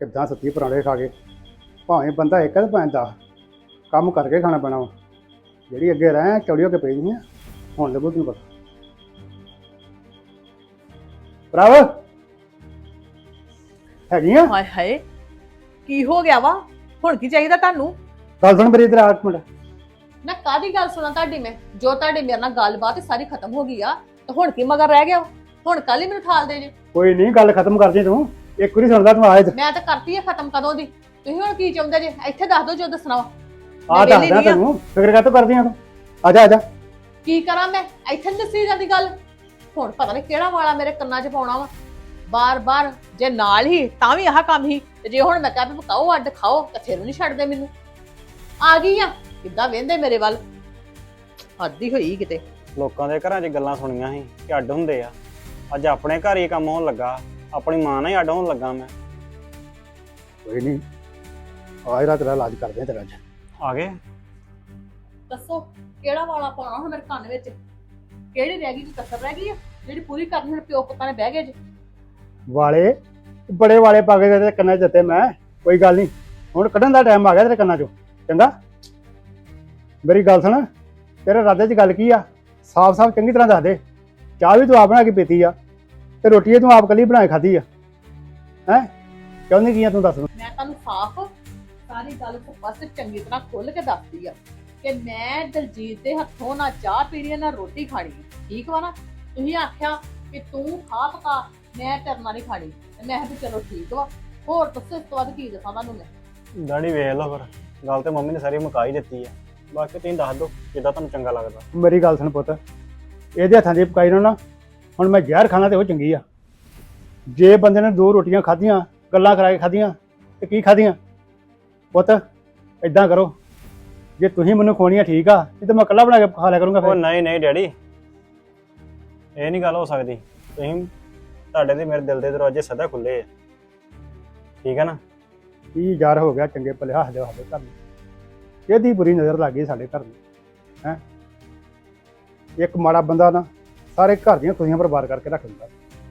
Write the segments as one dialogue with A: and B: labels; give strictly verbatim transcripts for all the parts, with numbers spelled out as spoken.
A: ਕਿੱਦਾਂ ਸੱਤੀ ਪਰਾਂਠੇ ਖਾ ਕੇ ਭਾਵੇਂ ਬੰਦਾ ਇੱਕ ਤੇ ਭਾਵੇਂ ਦਸ ਕੰਮ ਕਰਕੇ ਖਾਣਾ ਪੈਣਾ ਵਾ। ਜਿਹੜੀ ਅੱਗੇ ਰਹਿ ਚੌੜੀ ਹੋ ਕੇ ਪਈ ਨਹੀਂ ਹੁਣ ਲੱਗੂ ਤੈਨੂੰ ਪਤਾ। ਭਰਾਵ ਹੈਗੀਆਂ
B: ਹਾਏ ਹਾਏ ਕੀ ਹੋ ਗਿਆ ਵਾ? ਹੁਣ ਕੀ ਚਾਹੀਦਾ ਤੁਹਾਨੂੰ?
A: ਗੱਲ ਸੁਣ ਮੇਰੀ ਇਧਰ ਆ ਇੱਕ ਮਿੰਟ।
B: ਨਾ ਕਾਦੀ ਗੱਲ ਸੁਣਾ ਤੁਹਾਡੀ? ਮੈਂ ਜੋ ਤੁਹਾਡੀ ਮੇਰੇ ਨਾਲ ਗੱਲਬਾਤ ਸਾਰੀ ਖਤਮ ਹੋ ਗਈ ਆ ਤੇ ਹੁਣ ਕੀ ਮਗਰ ਰਹਿ ਗਿਆ ਵਾ? ਹੁਣ ਕੱਲ ਹੀ ਮੈਨੂੰ ਠਾਲ ਦੇ ਜੇ।
A: ਕੋਈ ਨਹੀਂ ਗੱਲ ਖਤਮ ਕਰਦੀ ਤੂੰ, ਇੱਕ ਵਾਰੀ ਸੁਣਦਾ ਤੂੰ ਆ ਇੱਧਰ।
B: ਮੈਂ ਤਾਂ ਕਰਤੀ ਆ ਖਤਮ ਕਦੋਂ ਦੀ। ਤੁਸੀਂ ਹੁਣ ਕੀ ਚਾਹੁੰਦੇ ਜੇ? ਇੱਥੇ ਦੱਸ ਦਿਓ ਜੋ ਦੱਸਣਾ ਵਾ।
A: ਆ ਦੱਸਦਾ ਤੈਨੂੰ, ਫਿਕਰ ਕਾਹਤੋਂ ਕਰਦੀ ਆ ਤੂੰ? ਆ ਜਾ ਆ ਜਾ।
B: ਕੀ ਕਰਾਂ ਮੈਂ? ਇੱਥੇ ਨੀ ਦੱਸੀ ਜਾਂਦੀ ਗੱਲ। ਹੁਣ ਪਤਾ ਨਹੀਂ ਕਿਹੜਾ ਵਾਲਾ ਮੇਰੇ ਕੰਨਾਂ 'ਚ ਪਾਉਣਾ ਵਾ ਬਾਰ-ਬਾਰ। ਜੇ ਨਾਲ ਹੀ ਤਾਂ ਵੀ ਆਹ ਕੰਮ ਹੀ, ਤੇ ਜੇ ਹੁਣ ਮੈਂ ਕਹਾਂ ਵੀ ਪਕਾਓ ਅੱਡ ਖਾਓ ਤਾਂ ਫਿਰ ਨਹੀਂ ਛੱਡਦੇ ਮੈਨੂੰ। ਆ ਗਈ ਆ ਕਿੱਦਾਂ ਵੇਂਦੇ ਮੇਰੇ ਵੱਲ, ਹੱਦ ਹੀ ਹੋਈ ਕਿਤੇ।
C: ਲੋਕਾਂ ਦੇ ਘਰਾਂ 'ਚ ਗੱਲਾਂ ਸੁਣੀਆਂ ਸੀ ਕਿ ਅੱਡ ਹੁੰਦੇ ਆ, ਅੱਜ ਆਪਣੇ ਘਰ ਹੀ ਕੰਮ ਹੋਣ ਲੱਗਾ। ਆਪਣੀ ਮਾਂ ਨਾਲ ਹੀ ਅੱਡ ਹੋਣ ਲੱਗਾ ਮੈਂ।
A: ਕੋਈ ਨਹੀਂ ਆਏ ਰਾਤ ਤੇਰਾ ਇਲਾਜ ਕਰਦੇ ਆ ਤੇਰਾ ਅੱਜ।
C: ਆ ਗਏ
B: ਦੱਸੋ ਕਿਹੜਾ ਵਾਲਾ ਪਾਉਣਾ ਹੁਣ ਮੇਰੇ ਕੰਨ ਵਿੱਚ? ਕਿਹੜੀ ਰਹਿ ਗਈ? ਕੋਈ ਕਸਰ ਰਹਿ ਗਈ ਆ ਜਿਹੜੀ ਪੂਰੀ ਕਰਨੀ? ਹੁਣ ਪਿਓ ਪੁੱਤਾਂ ਨੇ ਬਹਿ ਗਏ ਜੇ।
A: ਵਾਲੇ ਬੜੇ ਵਾਲੇ ਪਾ ਕੇ ਤੇਰੇ ਕੰਨਾਂ 'ਚ ਦਿੱਤੇ ਮੈਂ। ਕੋਈ ਗੱਲ ਨਹੀਂ, ਹੁਣ ਕੱਢਣ ਦਾ ਟਾਈਮ ਆ ਗਿਆ ਤੇਰੇ ਕੰਨਾਂ 'ਚੋਂ। ਚੰਗਾ ਮੇਰੀ ਗੱਲ ਸੁਣ, ਤੇਰੇ ਰਾਦੇ 'ਚ ਗੱਲ ਕੀ ਆ? ਸਾਫ਼-ਸਾਫ਼ ਚੰਗੀ ਤਰ੍ਹਾਂ ਦੱਸ ਦੇ। ਚਾਹ ਵੀ ਤੂੰ ਆਪ ਬਣਾ ਕੇ ਪੀਤੀ ਆ ਤੇ ਰੋਟੀ ਤੂੰ ਆਪ ਕੱਲੀ ਬਣਾ ਕੇ ਖਾਧੀ ਆ। ਹੈਂ ਚਾਹੁੰਦੀ ਕੀ ਆ ਤੂੰ ਦੱਸ।
B: ਮੈਂ ਤੁਹਾਨੂੰ ਸਾਫ਼ ਸਾਰੀ ਗੱਲ ਬਸ ਚੰਗੀ ਤਰ੍ਹਾਂ ਖੁੱਲ ਕੇ ਦੱਸਦੀ ਆ ਕਿ ਮੈਂ ਦਲਜੀਤ ਦੇ ਹੱਥੋਂ ਨਾ ਚਾਹ ਪੀਣੀ ਨਾ ਰੋਟੀ ਖਾਣੀ। ਠੀਕ ਵਾ ਨਾ? ਤੁਸੀਂ ਆਖਿਆ ਕਿ ਤੂੰ ਖਾ ਪਕਾ, ਮੈਂ ਤੇਰੇ ਨਾਲ ਨਹੀਂ ਖਾਣੀ, ਤੇ ਮੈਂ ਕਿਹਾ ਚਲੋ ਠੀਕ ਵਾ। ਹੋਰ ਦੱਸੋ ਇਸ ਤੋਂ ਬਾਅਦ ਕੀ ਦੱਸਾਂ ਤੁਹਾਨੂੰ ਮੈਂ?
C: ਡੈਡੀ ਵੇਖ ਲਓ ਫਿਰ, ਗੱਲ ਤੇ ਮੰਮੀ ਨੇ ਸਾਰੀ ਮੁਕਾ ਹੀ ਦਿੱਤੀ ਆ। ਬਾਕੀ ਤੁਸੀਂ ਦੱਸ ਦਿਓ ਜਿੱਦਾਂ ਤੁਹਾਨੂੰ ਚੰਗਾ ਲੱਗਦਾ।
A: ਮੇਰੀ ਗੱਲ ਸੁਣ ਪੁੱਤ, ਇਹਦੇ ਹੱਥਾਂ ਦੀ ਪਕਾਈ ਨੂੰ ਨਾ ਹੁਣ ਮੈਂ ਜ਼ਹਿਰ ਖਾਣਾ ਤੇ ਉਹ ਚੰਗੀ ਆ। ਜੇ ਬੰਦੇ ਨੇ ਦੋ ਰੋਟੀਆਂ ਖਾਧੀਆਂ, ਗੱਲਾਂ ਕਰਾ ਕੇ ਖਾਧੀਆਂ ਤੇ ਕੀ ਖਾਧੀਆਂ? ਪੁੱਤ ਇਦਾਂ ਕਰੋ, ਜੇ ਤੁਸੀਂ ਮੈਨੂੰ ਖਵਾਉਣੀਆਂ ਠੀਕ ਆ, ਨਹੀਂ ਤਾਂ ਮੈਂ ਇਕੱਲਾ ਬਣਾ ਕੇ ਖਾ ਲਿਆ ਕਰੂੰਗਾ
C: ਉਹ
A: ਫਿਰ।
C: ਨਹੀਂ ਨਹੀਂ ਡੈਡੀ, ਇਹ ਨਹੀਂ ਗੱਲ ਹੋ ਸਕਦੀ। ਤੁਸੀਂ ਤੁਹਾਡੇ ਤੇ ਮੇਰੇ ਦਿਲ ਦੇ ਦਰਵਾਜ਼ੇ ਸਦਾ ਖੁੱਲੇ ਆ, ਠੀਕ ਹੈ ਨਾ?
A: ਕੀ ਯਾਰ ਹੋ ਗਿਆ ਚੰਗੇ ਭਲੇ ਹੱਸਦੇ ਹੱਸਦੇ ਘਰ ਨੂੰ, ਇਹਦੀ ਬੁਰੀ ਨਜ਼ਰ ਲੱਗ ਗਈ ਸਾਡੇ ਘਰ ਨੂੰ। ਹੈਂ ਇੱਕ ਮਾੜਾ ਬੰਦਾ ਨਾ ਸਾਰੇ ਘਰ ਦੀਆਂ ਖੁਸ਼ੀਆਂ ਬਰਬਾਦ ਕਰਕੇ ਰੱਖ ਦਿੰਦਾ।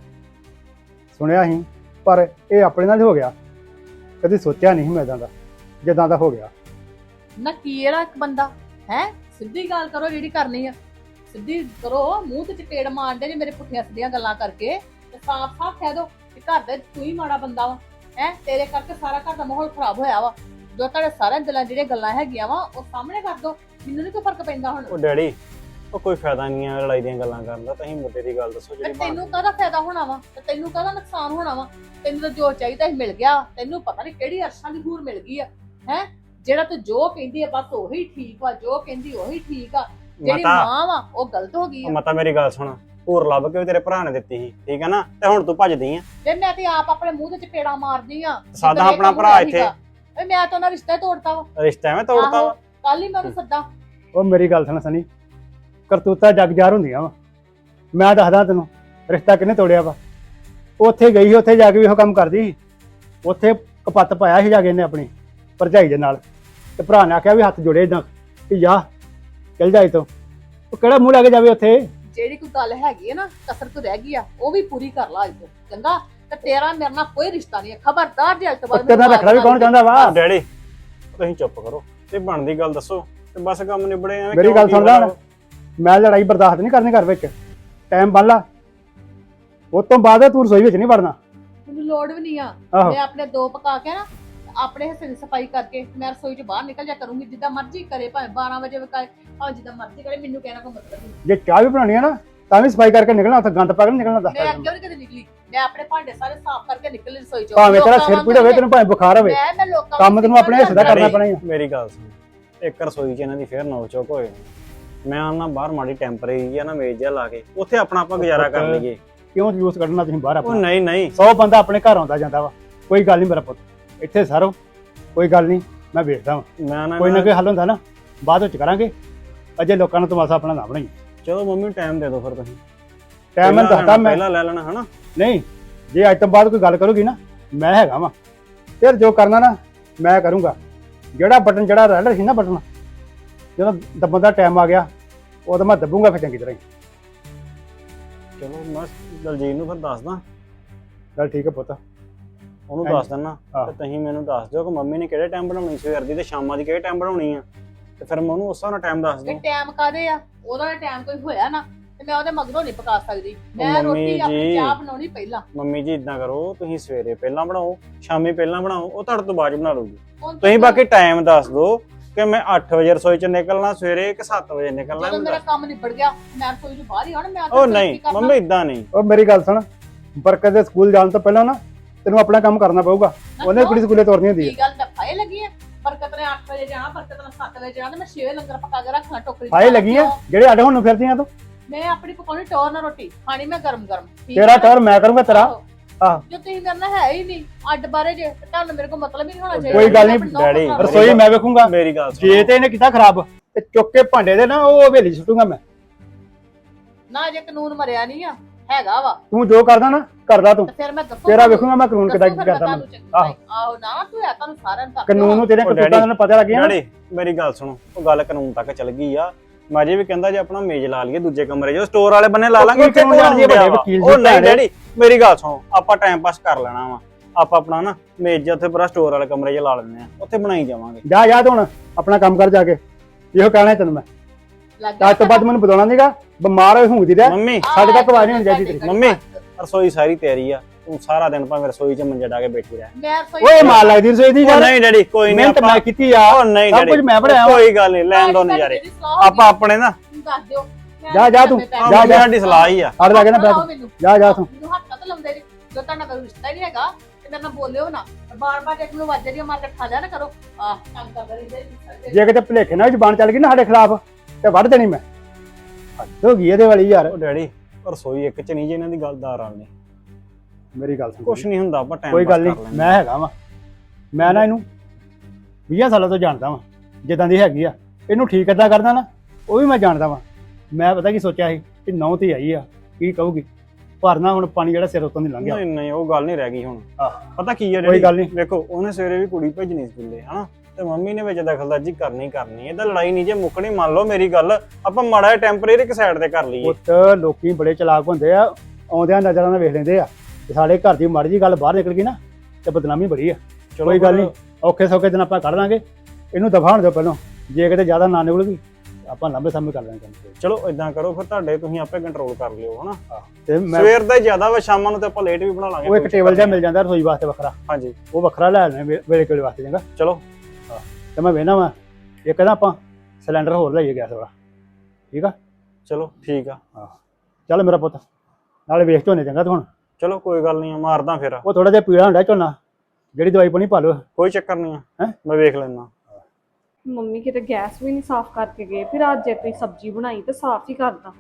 A: ਸੁਣਿਆ ਸੀ ਪਰ ਇਹ ਆਪਣੇ ਨਾਲ ਹੀ ਹੋ ਗਿਆ, ਕਦੀ ਸੋਚਿਆ ਨਹੀਂ ਮੈਂ ਇਦਾਂ ਦਾ ਜਿੱਦਾਂ ਦਾ ਹੋ ਗਿਆ।
B: ਨਾ ਕੀ ਇਹਦਾ ਇੱਕ ਬੰਦਾ ਹੈ? ਸਿੱਧੀ ਗੱਲ ਕਰੋ ਜਿਹੜੀ ਕਰਨੀ ਆ, ਸਿੱਧੀ ਕਰੋ। ਮੂੰਹ ਤੇ ਚਪੇੜ ਮਾਰਦੇ ਜੇ ਮੇਰੇ ਪੁੱਠੀਆਂ ਸਿੱਧੀਆਂ ਗੱਲਾਂ ਕਰਕੇ, ਤੇ ਸਾਫ਼-ਸਾਫ਼ ਕਹਿ ਦੋ ਕਿ ਘਰ ਦੇ ਤੂੰ ਹੀ ਮਾੜਾ ਬੰਦਾ ਵਾ। ਹੈ ਤੇਰੇ ਕਰਕੇ ਸਾਰਾ ਘਰ ਦਾ ਮਾਹੌਲ ਖਰਾਬ ਹੋਇਆ ਵਾ। ਜੋ ਤੁਹਾਡੇ ਸਾਰਿਆਂ ਦਿਲਾਂ ਜਿਹੜੀਆਂ ਗੱਲਾਂ ਹੈਗੀਆਂ ਵਾ ਉਹ ਸਾਹਮਣੇ ਕਰ ਦੋ। ਮੈਨੂੰ ਨਹੀਂ ਕੋਈ ਫਰਕ ਪੈਂਦਾ ਹੁਣ।
C: ਉਹ ਡੈਡੀ ਉਹ ਕੋਈ ਫਾਇਦਾ ਨਹੀਂ ਆ ਲੜਾਈ ਦੀਆਂ ਗੱਲਾਂ ਕਰਨ ਦਾ। ਤੁਸੀਂ ਮੁੱਦੇ ਦੀ ਗੱਲ ਦੱਸੋ ਜਿਹੜੀ
B: ਤੈਨੂੰ ਕਾਹਦਾ ਫਾਇਦਾ ਹੋਣਾ ਵਾ ਤੇ ਤੈਨੂੰ ਕਾਹਦਾ ਨੁਕਸਾਨ ਹੋਣਾ ਵਾ? ਤੈਨੂੰ ਤਾਂ ਜੋ ਚਾਹੀਦਾ ਸੀ ਮਿਲ ਗਿਆ। ਤੈਨੂੰ ਪਤਾ ਨਹੀਂ ਕਿਹੜੀ ਅਰਸ਼ਾਂ ਦੀ ਹੂਰ ਮਿਲ ਗਈ ਆ। ਹੈ ਜਿਹੜਾ ਤੂੰ ਜੋ ਕਹਿੰਦੀ ਆ ਬਸ ਉਹੀ ਠੀਕ ਵਾ, ਜੋ ਕਹਿੰਦੀ ਉਹੀ ਠੀਕ ਆ। ਜਿਹੜੀ ਮਾਂ ਵਾ ਉਹ ਗਲਤ ਹੋ ਗਈ ਆ।
C: ਮਤਾ ਮੇਰੀ ਗੱਲ ਸੁਣ, ਹੋਰ ਲੱਭ ਕੇ ਵੀ ਤੇਰੇ ਭਰਾ ਨੇ ਦਿੱਤੀ ਸੀ, ਠੀਕ ਹੈ ਨਾ? ਤੇ ਹੁਣ ਤੂੰ ਭੱਜਦੀ ਆ।
B: ਤੇ ਮੈਂ ਤੇ ਆਪ ਆਪਣੇ ਮੂੰਹ ਤੇ ਚਪੇੜਾ ਮਾਰਦੀ ਆ।
C: ਸਾਡਾ ਆਪਣਾ ਭਰਾ ਇੱਥੇ
B: ਏ ਮੈਂ ਤਾਂ ਉਹਨਾਂ ਰਿਸ਼ਤਾ ਤੋੜਤਾ ਵਾ।
C: ਰਿਸ਼ਤਾ ਐਵੇਂ ਤੋੜਤਾ ਵਾ?
B: ਕੱਲ ਹੀ ਮੈਂ ਉਹਨੂੰ ਸੱਦਾ।
A: ਉਹ ਮੇਰੀ ਗੱਲ ਸੁਣ ਸਨੀ, ਕਰਤੂਤਾਂ ਜਗ ਜ਼ਾਹਰ ਹੁੰਦੀਆਂ ਵਾ। ਮੈਂ ਦੱਸਦਾ ਤੈਨੂੰ ਰਿਸ਼ਤਾ ਕਿਹਨੇ ਤੋੜਿਆ ਵਾ। ਉੱਥੇ ਗਈ ਸੀ, ਉੱਥੇ ਜਾ ਕੇ ਵੀ ਉਹ ਕੰਮ ਕਰਦੀ ਸੀ। ਉੱਥੇ ਕਪੱਤ ਪਾਇਆ ਸੀ ਜਾ ਕੇ ਇਹਨੇ ਆਪਣੀ ਭਰਜਾਈ ਦੇ ਨਾਲ, ਤੇ ਭਰਾ ਨੇ ਆਖਿਆ ਵੀ ਹੱਥ ਜੋੜੇ ਇਦਾਂ ਕਿ ਜਾ ਚੱਲ ਜਾ ਇੱਥੋਂ। ਉਹ ਕਿਹੜਾ ਮੂੰਹ ਲਾ ਕੇ ਜਾਵੇ ਉੱਥੇ?
B: ਜਿਹੜੀ ਕੋਈ ਗੱਲ ਹੈਗੀ ਹੈ ਨਾ ਕਸਰ ਤੋਂ ਰਹਿ ਗਈ ਆ ਉਹ ਵੀ ਪੂਰੀ ਕਰ ਲਾ ਅੱਜ ਤੋਂ, ਚੰਗਾ? ਤੇ ਤੇਰਾ ਮੇਰੇ ਨਾਲ ਕੋਈ ਰਿਸ਼ਤਾ ਨਹੀਂ ਹੈ, ਖਬਰਦਾਰ ਜੇ ਅੱਜ ਤੋਂ ਬਾਅਦ
A: ਤੇਰਾ ਰੱਖਣਾ ਵੀ ਕੌਣ ਚਾਹੁੰਦਾ ਵਾ?
C: ਡੈਡੀ ਤੁਸੀਂ ਚੁੱਪ ਕਰੋ ਤੇ ਬਣਦੀ ਗੱਲ ਦੱਸੋ ਤੇ ਬਸ ਕੰਮ ਨਿਬੜੇ। ਐਵੇਂ
A: ਮੇਰੀ ਗੱਲ ਸੁਣ ਲੈ, ਮੈਂ ਲੜਾਈ ਬਰਦਾਸ਼ਤ ਨਹੀਂ ਕਰਨੀ ਘਰ ਵਿੱਚ। ਟਾਈਮ ਬੰਨ ਲਾ, ਉਸ ਤੋਂ ਬਾਅਦ ਤੂੰ ਰਸੋਈ ਵਿੱਚ ਨਹੀਂ ਵੜਨਾ।
B: ਮੈਨੂੰ ਲੋੜ ਵੀ ਨਹੀਂ ਆ।
A: ਆਹੋ।
B: ਮੈਂ ਆਪਣੇ ਦੋ ਪਕਾ ਕੇ ਨਾ ਆਪਣੇ ਹਿੱਸੇ ਦੀ ਸਫਾਈ ਕਰਕੇ ਮੈਂ ਰਸੋਈ ਚ ਬਾਹਰ ਨਿਕਲ ਜਾ ਕਰੂੰਗੀ। ਜਿੱਦਾਂ ਮਰਜ਼ੀ ਕਰੇ, ਭਾਵੇਂ ਬਾਰਾਂ ਵਜੇ ਵਕਾਏ, ਭਾਵੇਂ ਜਿੱਦਾਂ ਮਰਜ਼ੀ ਕਰੇ, ਮੈਨੂੰ ਕਹਿਣਾ ਕੋਈ ਮਤਲਬ ਨਹੀਂ।
A: ਜੇ ਚਾਹ ਵੀ ਬਣਾਉਣੀ ਹੈ ਨਾ ਤਾਂ ਵੀ ਸਫਾਈ ਕਰਕੇ ਨਿਕਲਣਾ, ਉੱਥੇ ਗੰਦ ਪਾ ਕੇ ਨਿਕਲਣਾ। ਦੱਸ
B: ਮੈਂ ਅੱਗੇ ਵੀ ਕਦੇ ਨਿਕਲੀ, ਮੈਂ ਆਪਣੇ ਭਾਂਡੇ ਸਾਰੇ ਸਾਫ਼ ਕਰਕੇ ਨਿਕਲੀ ਰਸੋਈ ਚੋਂ।
A: ਭਾਵੇਂ ਤੇਰਾ ਸਿਰ ਪੀੜ ਹੋਵੇ, ਤੈਨੂੰ ਭਾਵੇਂ ਬੁਖਾਰ ਹੋਵੇ,
B: ਮੈਂ ਮੈਂ ਲੋਕਾਂ
A: ਕੰਮ ਤੈਨੂੰ ਆਪਣੇ ਹਿੱਸੇ ਦਾ ਕਰਨਾ ਪੈਣਾ ਹੀ ਆ।
C: ਮੇਰੀ ਗੱਲ ਸੁਣ, ਇੱਕ ਰਸੋਈ 'ਚ ਇਹਨਾਂ ਦੀ ਫੇਰ ਨੌਕ ਚੌਕ ਹੋਏ। ਮੈਂ ਆਉਣਾ ਬਾਹਰ ਮਾੜੀ ਟੈਂਪਰੇਰੀ ਆ ਨਾ ਮੇਜ਼ ਜਿਹਾ ਲਾ ਕੇ, ਉੱਥੇ ਆਪਣਾ ਆਪਾਂ ਗੁਜ਼ਾਰਾ ਕਰ ਲਈਏ।
A: ਕਿਉਂ ਜੂਸ ਕੱਢਣਾ ਤੁਸੀਂ ਬਾਹਰ?
C: ਉਹ
A: ਆਪਣਾ
C: ਨਹੀਂ ਨਹੀਂ,
A: ਸੌ ਬੰਦਾ ਆਪਣੇ ਘਰ ਆਉਂਦਾ ਜਾਂਦਾ ਵਾ। ਕੋਈ ਗੱਲ ਨਹੀਂ ਮੇਰਾ ਪੁੱਤ, ਇੱਥੇ ਸਾਰੋ ਕੋਈ ਗੱਲ ਨਹੀਂ, ਮੈਂ ਵੇਖਦਾ ਵਾਂ
C: ਮੈਂ ਨਾ
A: ਕੋਈ ਨਾ ਕੋਈ ਹੱਲ ਹੁੰਦਾ ਨਾ ਬਾਅਦ ਵਿੱਚ ਕਰਾਂਗੇ। ਅਜੇ ਲੋਕਾਂ ਨੂੰ ਤਮਾਸ਼ਾ ਆਪਣਾ ਨਾ ਬਣਾਈ।
C: ਚਲੋ ਮੰਮੀ ਟਾਈਮ ਦੇ ਦਿਓ ਫਿਰ ਤੁਸੀਂ।
A: ਟਾਈਮ ਮੈਂ ਦੱਸਦਾ, ਮੈਂ
C: ਪਹਿਲਾਂ ਲੈ ਲੈਣਾ ਹਨਾ।
A: ਨਹੀਂ ਜੇ ਅੱਜ ਤੋਂ ਬਾਅਦ ਕੋਈ ਗੱਲ ਕਰੂਗੀ ਨਾ, ਮੈਂ ਹੈਗਾ ਵਾਂ। ਫਿਰ ਜੋ ਕਰਨਾ ਨਾ ਮੈਂ ਕਰੂੰਗਾ। ਜਿਹੜਾ ਬਟਨ ਜਿਹੜਾ ਰਹਿ ਰਿਹਾ ਸੀ ਨਾ ਬਟਨ, ਜਦੋਂ ਦੱਬਣ ਦਾ ਟਾਈਮ ਆ ਗਿਆ ਉਦੋਂ ਮੈਂ ਦੱਬੂਗਾ ਫਿਰ ਚੰਗੀ ਤਰ੍ਹਾਂ ਹੀ।
C: ਚਲੋ ਮੈਂ ਦਲਜੀਤ ਨੂੰ ਫਿਰ ਦੱਸਦਾ।
A: ਚੱਲ ਠੀਕ ਹੈ ਪੁੱਤ,
C: ਉਹਨੂੰ
A: ਹਾਂਜੀ।
C: ਦੱਸ ਦਿੰਨਾ
A: ਆਹ।
C: ਤੇ ਤੁਸੀਂ ਮੈਨੂੰ ਦੱਸ ਦਿਓ ਕਿ ਮੰਮੀ ਨੇ ਕਿਹੜੇ ਟਾਈਮ ਬਣਾਉਣੀ ਸਵੇਰ ਦੀ ਤੇ ਸ਼ਾਮਾਂ ਦੀ ਕਿਹੜੇ ਟਾਈਮ ਬਣਾਉਣੀ ਆ ਤੇ ਫਿਰ ਮੈਂ ਉਹਨੂੰ ਉਸ ਹਿਸਾਬ ਨਾਲ ਟਾਈਮ ਦੱਸ
B: ਇਹ
C: ਦੂੰ।
B: ਟਾਈਮ ਕਾਦੇ ਆ ਉਹਦਾ ਟਾਈਮ ਕੋਈ ਹੋਇਆ ਨਾ ਤੇ ਮੈਂ ਉਹਦੇ ਮਗਰੋਂ ਨਹੀਂ ਪਕਾ ਸਕਦੀ ਮੈਂ
C: ਮੰਮੀ
B: ਰੋਟੀ ਆਪਣੀ
C: ਜੀ।
B: ਚਾਹ ਬਣਾਉਣੀ ਪਹਿਲਾਂ।
C: ਮੰਮੀ ਜੀ ਇਦਾਂ ਕਰੋ, ਤੁਸੀਂ ਸਵੇਰੇ ਪਹਿਲਾਂ ਬਣਾਓ, ਸ਼ਾਮੀ ਪਹਿਲਾਂ ਬਣਾਓ, ਉਹ ਤੁਹਾਡੇ ਤੋਂ ਬਾਅਦ 'ਚ ਬਣਾ ਲੂਗੀ।
B: ਹੁਣ
C: ਤੁਸੀਂ
B: ਤੱਕ
C: ਬਾਕੀ ਟਾਈਮ ਦੱਸ ਦਿਓ ਕਿ ਮੈਂ ਅੱਠ ਵਜੇ ਰਸੋਈ 'ਚ ਨਿਕਲਣਾ ਸਵੇਰੇ ਕਿ ਸੱਤ ਵਜੇ ਨਿਕਲਣਾ।
B: ਜਦੋਂ ਮੇਰਾ ਕੰਮ ਨਿਬੜ ਗਿਆ ਮੈਂ ਰਸੋਈ ਤੋਂ ਬਾਹਰ ਹੀ ਆਉਣਾ ਮੈਂ
C: ਉਹ ਨਹੀਂ ਮੰਮੀ ਇਦਾਂ ਨਹੀਂ।
A: ਉਹ ਮੇਰੀ ਗੱਲ ਸੁਣ, ਬਰਕਤ ਦੇ ਸਕੂਲ ਜਾਣ ਤੋਂ ਪਹਿਲਾਂ ਨਾ ਤੈਨੂੰ ਆਪਣਾ ਕੰਮ ਕਰਨਾ ਪਊਗਾ। ਉਹਨੇ ਕੁੜੀ ਸਕੂਲੇ ਤੋਰਨੀ ਹੁੰਦੀ ਹੈ।
B: ਕੀ ਗੱਲ ਡੱਫਾਏ ਲੱਗੀ ਆ ਬਰਕਤ ਨੇ ਅੱਠ ਵਜੇ ਜਾਣਾ ਬਰਕਤ ਨੇ ਸੱਤ ਵਜੇ ਜਾਣਾ ਤੇ ਮੈਂ ਛੇ ਵਜੇ ਲੰਗਰ ਪਕਾ ਕੇ ਰੱਖਣਾ ਟੋਕਰੀ 'ਚ।
A: ਹਾਏ ਲੱਗੀ ਆ ਜਿਹੜੇ ਅੱਡ ਹੁਣ ਨੂੰ ਫਿਰਦੀਆਂ ਤੂੰ।
B: ਮੈਂ ਆਪਣੀ ਪਕਾਉਣੀ ਟੋਰ ਨਾਲ ਰੋਟੀ ਖਾਣੀ ਮੈਂ ਗਰਮ ਗਰਮ ਠੀਕ
A: ਤੇਰਾ
B: ਆ?
A: ਟੌਰ ਮੈਂ ਕਰੂੰਗਾ ਤੇਰਾ।
B: ਆਹੋ।
A: ਆਹ।
B: ਜੋ ਤੁਸੀਂ ਕਰਨਾ ਹੈ ਹੀ ਨਹੀਂ ਅੱਡ ਬਾਰੇ ਜੇ ਤੇ ਤੁਹਾਨੂੰ ਮੇਰੇ ਕੋਲ ਮਤਲਬ ਹੀ ਨਹੀਂ ਹੋਣਾ ਚਾਹੀਦਾ।
A: ਕੋਈ ਗੱਲ ਨੀ,
B: ਆਪਣੀ ਨਹੁੰ
C: ਡੈਡੀ,
B: ਪਕਾ ਲਓ।
A: ਰਸੋਈ ਮੈਂ ਵੇਖੂੰਗਾ।
C: ਮੇਰੀ ਗੱਲ ਸੁਣੋ।
A: ਜੇ ਤੇ ਇਹਨੇ ਕੀਤਾ ਖਰਾਬ ਤੇ ਚੁੱਕ ਕੇ ਭਾਂਡੇ ਦੇ ਨਾ ਉਹ ਹਵੇਲੀ 'ਚ ਸੁੱਟੂਗਾ ਮੈਂ।
B: ਨਾ ਜੇ ਕਾਨੂੰਨ ਮਰਿਆ ਨਹੀਂ ਆ ਹੈਗਾ ਵਾ
A: ਤੂੰ ਜੋ ਕਰਦਾ ਨਾ ਕਰਦਾ ਤੂੰ।
B: ਤੇ ਫਿਰ ਮੈਂ ਦੱਸੂ
A: ਤੇਰਾ ਵੇਖੂੰਗਾ ਮੈਂ ਕਾਨੂੰਨ ਕਿੱਦਾਂ
B: ਦੱਸੂ
A: ਕੀ
B: ਫਿਰ
A: ਕਰਦਾ
B: ਮੈਂ
A: ਮੈਂ।
B: ਤੁਹਾਨੂੰ
A: ਆਹੋ।
B: ਚੰਗੀ ਆਹੋ ਨਾ ਤੂੰ ਆ ਤੁਹਾਨੂੰ ਸਾਰਿਆਂ ਨੂੰ ਦੱਸ
A: ਕਾਨੂੰਨ ਨੂੰ ਤੇਰੇ
C: ਉਹ
A: ਕਤੂਤਾਂ
C: ਡੈਡੀ,
A: ਦਾ ਪਤਾ ਲੱਗਿਆ ਨਾ।
C: ਡੈਡੀ ਮੇਰੀ ਗੱਲ ਸੁਣੋ, ਉਹ ਗੱਲ ਕਾਨੂੰਨ ਤੱਕ ਚੱਲ ਗਈ ਆ। ਮੈਂ ਜੇ ਵੀ ਕਹਿੰਦਾ ਜੇ ਆਪਣਾ ਮੇਜ਼ ਲਾ ਲਈਏ ਦੂਜੇ ਕਮਰੇ 'ਚ ਸਟੋਰ ਵਾਲੇ ਬੰਨੇ ਲਾ ਲਾਂਗੇ, ਉੱਥੇ
A: ਕਿਉਂ ਜਾਣਗੇ ਵੱਡੇ ਵਕੀਲ
C: ਉਹ
A: ਜੀ
C: ਨਹੀਂ
A: ਭੈਣੇ।
C: ਡੈਡੀ ਮੇਰੀ ਗੱਲ ਸੁਣੋ, ਆਪਾਂ ਟਾਈਮ ਪਾਸ ਕਰ ਲੈਣਾ ਵਾ। ਆਪਾਂ ਆਪਣਾ ਨਾ ਮੇਜ਼ ਜਿਹਾ ਉੱਥੇ ਪੂਰਾ ਸਟੋਰ ਵਾਲੇ ਕਮਰੇ 'ਚ ਲਾ ਲੈਂਦੇ ਆ, ਉੱਥੇ ਬਣਾਈ ਜਾਵਾਂਗੇ।
A: ਜਾ ਜਾ ਤੂੰ ਹੁਣ ਆਪਣਾ ਕੰਮ ਕਰ ਜਾ ਕੇ। ਇਹੋ ਕਹਿਣਾ ਤੈਨੂੰ ਮੈਂ।
B: ਲੱਗ ਗਿਆ
A: ਅੱਜ ਤੋਂ ਬਾਅਦ ਮੈਨੂੰ ਬੁਲਾਉਣਾ ਨਹੀਂਗਾ। ਬਿਮਾਰ ਹੋਈ ਹੁੰਦੀ ਰਹਿ।
C: ਮੰਮੀ
A: ਸਾਡੇ ਤੱਕ ਆਵਾਜ਼ ਨਹੀਂ ਹੋਣੀ ਚਾਹੀਦੀ ਤੇਰੀ।
C: ਮੰਮੀ ਰਸੋਈ ਸਾਰੀ ਤਿਆਰੀ ਆ, ਤੂੰ ਸਾਰਾ ਦਿਨ ਭਾਵੇਂ ਰਸੋਈ 'ਚ ਮੰਜੇ ਡਾ ਕੇ ਬੈਠੀ ਰਹਿ।
B: ਮੈਂ ਰਸੋਈ
A: ਓਏ ਮਾਰ ਲੱਗਦੀ ਰਸੋਈ ਦੀ
C: ਉਹ
A: ਯਾਰ।
C: ਨਹੀਂ ਡੈਡੀ ਕੋਈ ਨਹੀਂ,
A: ਮਿਹਨਤ
C: ਆਪਾਂ
A: ਮੈਂ ਕੀਤੀ ਆ।
C: ਉਹ ਨਹੀਂ
A: ਸਭ
C: ਡੈਡੀ
A: ਕੁਝ ਮੈਂ ਬਣਾਇਆ ਵਾ।
C: ਕੋਈ ਗੱਲ ਨਹੀਂ, ਲੈਣ ਦੋ ਨਜ਼ਾਰੇ। ਆਪਾਂ ਆਪਣੇ ਨਾ
B: ਦੱਸ ਦਿਓ ਮੈਂ
A: ਜਾ, ਜਾ ਤੂੰ,
B: ਲੰਮੇ ਪੈ
A: ਜਾ,
B: ਗਈ।
A: ਜਾ।
C: ਸਾਡੀ ਸਲਾਹ ਹੀ ਆ।
A: ਹੜ ਲੱਗੇ ਨਾ
B: ਲਾਓ
A: ਬੈਠ।
B: ਮੈਨੂੰ।
A: ਜਾ ਜਾ ਤੂੰ।
B: ਮੈਨੂੰ ਹੱਥ ਤਾਂ ਲਾਉਂਦੇ ਜੀ ਜੋ ਤੁਹਾਡਾ ਕੋਈ ਰਿਸ਼ਤਾ ਹੀ ਨਹੀਂ ਹੈਗਾ ਤੇ ਮੇਰੇ ਨਾਲ ਬੋਲਿਓ ਨਾ ਬਾਰ ਬਾਰ ਇੱਕ ਨੂੰ ਵਾਜੇ ਦੀਆਂ ਮਾਰ ਕੇ ਖਾ ਲਿਆ ਨਾ ਕਰੋ। ਆਹ ਕੰਮ ਕਰਦਾ ਰਹਿੰਦੇ
A: ਜੇ ਕਿਤੇ ਭੁਲੇਖੇ ਨਾਲ ਜ਼ਬਾਨ ਚੱਲ ਗਈ ਨਾ ਸਾਡੇ ਖਿਲਾਫ ਤੇ ਵੱਢ ਦੇਣੀ ਮੈਂ। ਹੱਦ ਹੋ ਗਈ ਇਹਦੇ ਵਾਲੀ ਯਾਰ।
C: ਉਹ ਡੈਡੀ ਰਸੋਈ ਇੱਕ 'ਚ ਨਹੀਂ ਜੇ ਇਹਨਾਂ ਦੀ ਗੱਲ ਦਾ ਰਲ ਨਹੀਂ।
A: ਮੇਰੀ ਗੱਲ ਸੁਣ।
C: ਕੁਛ ਨਹੀਂ ਹੁੰਦਾ, ਆਪਾਂ ਟਾਈਮ
A: ਕੋਈ
C: ਪਾਸ
A: ਗੱਲ
C: ਕਰ
A: ਨਹੀਂ,
C: ਲੈਂਦੇ।
A: ਮੈਂ ਹੈਗਾ ਵਾਂ। ਮੈਂ ਨਾ ਇਹਨੂੰ ਵੀਹ ਸਾਲਾਂ ਤੋਂ ਜਾਣਦਾ ਵਾਂ ਜਿੱਦਾਂ ਦੀ ਹੈਗੀ ਆ। ਇਹਨੂੰ ਠੀਕ ਕਿੱਦਾਂ ਕਰਦਾ ਨਾ ਉਹ ਵੀ ਮੈਂ ਜਾਣਦਾ ਵਾਂ। ਮੈਂ ਪਤਾ ਕੀ ਸੋਚਿਆ ਸੀ ਕਿ ਨੌ ਤੇ ਆਈ ਆ ਕੀ ਕਹੂਗੀ, ਪਰ ਨਾ ਹੁਣ ਪਾਣੀ ਜਿਹੜਾ ਸਿਰ ਉੱਤੋਂ ਦੀ ਲੰਘ ਗਿਆ।
C: ਨਹੀਂ ਨਹੀਂ ਉਹ ਗੱਲ ਨਹੀਂ ਰਹਿ ਗਈ ਹੁਣ।
A: ਆਹ।
C: ਪਤਾ ਕੀ ਆ
A: ਕੋਈ
C: ਡੈਡੀ,
A: ਗੱਲ ਨਹੀਂ।
C: ਵੇਖੋ ਉਹਨੇ ਸਵੇਰੇ ਵੀ ਕੁੜੀ ਭੇਜਣੀ ਸਕੂਲੇ ਹਨਾ, ਤੇ ਮੰਮੀ ਨੇ ਵਿੱਚ ਦਖਲਅੰਦਾਜ਼ੀ ਕਰਨੀ ਕਰਨੀ। ਇਹਦਾ ਲੜਾਈ ਨਹੀਂ ਜੇ ਮੁੱਕਣੀ, ਮੰਨ ਲਓ ਮੇਰੀ ਗੱਲ, ਆਪਾਂ ਮਾੜਾ ਜਿਹਾ ਟੈਂਪਰੇਰੀ ਇੱਕ ਸਾਈਡ ਤੇ ਕਰ ਲਈਏ।
A: ਪੁੱਤ ਲੋਕੀ ਬੜੇ ਚਲਾਕ ਹੁੰਦੇ ਆ, ਆਉਂਦਿਆਂ ਨਜ਼ਰਾਂ ਨਾਲ ਵੇਖ ਲੈਂਦੇ ਆ ਤੇ ਸਾਡੇ ਘਰ ਦੀ ਮਾੜੀ ਜੀ ਗੱਲ ਬਾਹਰ ਨਿਕਲ ਗਈ ਨਾ ਤੇ ਬਦਨਾਮੀ ਬੜੀ ਆ।
C: ਚਲੋ
A: ਕੋਈ ਗੱਲ
C: ਫਿਰ
A: ਨਹੀਂ, ਔਖੇ ਸੌਖੇ ਦਿਨ ਆਪਾਂ ਕੱਢ ਲਾਂਗੇ। ਇਹਨੂੰ ਦਫਾ ਹੋਣ ਦਿਓ ਪਹਿਲਾਂ। ਜੇ ਕਿਤੇ ਜ਼ਿਆਦਾ ਨਾ ਨਿਕਲੂਗੀ ਆਪਾਂ ਲੰਬੇ ਸਮੇਂ ਕਰ ਲਾਂਗੇ ਕੰਮ।
C: ਚਲੋ ਇਦਾਂ ਕਰੋ ਫਿਰ, ਤੁਹਾਡੇ ਤੁਸੀਂ ਆਪੇ ਕੰਟਰੋਲ ਕਰ ਲਿਓ ਹਨਾ।
A: ਤੇ ਮੈਂ
C: ਸਵੇਰ ਦਾ ਹੀ ਜ਼ਿਆਦਾ ਵਾ, ਸ਼ਾਮਾਂ ਨੂੰ ਤੇ ਆਪਾਂ ਲੇਟ ਵੀ ਬਣਾ ਲਾਂਗੇ।
A: ਉਹ ਇੱਕ ਟੇਬਲ ਜਿਹਾ ਮਿਲ ਜਾਂਦਾ ਰਸੋਈ ਵਾਸਤੇ ਵੱਖਰਾ,
C: ਹਾਂਜੀ
A: ਉਹ ਵੱਖਰਾ ਲੈ ਲੈਣਾ ਵੇਲੇ ਕੋਲੇ ਵਾਸਤੇ ਚੰਗਾ।
C: ਚਲੋ
A: ਤੇ ਮੈਂ ਵੇਖਣਾ ਵਾ ਇੱਕ ਨਾ ਆਪਾਂ ਸਿਲੰਡਰ ਹੋਰ ਲਈਏ ਗੈਸ ਵਾਲਾ, ਠੀਕ ਆ।
C: ਚਲੋ ਠੀਕ ਆ।
A: ਚੱਲ ਮੇਰਾ ਪੁੱਤ ਨਾਲੇ ਵੇਖ ਝੋਨੇ ਚੰਗਾ ਤੂੰ ਹੁਣ।
C: ਚਲੋ ਕੋਈ ਗੱਲ ਨਹੀਂ, ਮਾਰਦਾ ਫਿਰ।
A: ਉਹ ਥੋੜਾ ਜਿਹਾ ਪੀੜਾ ਹੁੰਦਾ ਝੋਨਾ, ਜਿਹੜੀ ਦਵਾਈ ਪਾਣੀ ਪਾ ਲਓ।
C: ਕੋਈ ਚੱਕਰ ਨਹੀਂ ਆ,
A: ਹੈਂ?
C: ਮੈਂ ਵੇਖ ਲੈਣਾ।
D: ਮੰਮੀ ਕਿਤੇ ਗੈਸ ਵੀ ਨਹੀਂ ਸਾਫ਼ ਕਰਕੇ ਗਏ, ਫਿਰ ਅੱਜ ਜੇ ਤੁਸੀਂ ਸਬਜ਼ੀ ਬਣਾਈ ਤੇ ਸਾਫ਼ ਹੀ ਕਰਦਾ।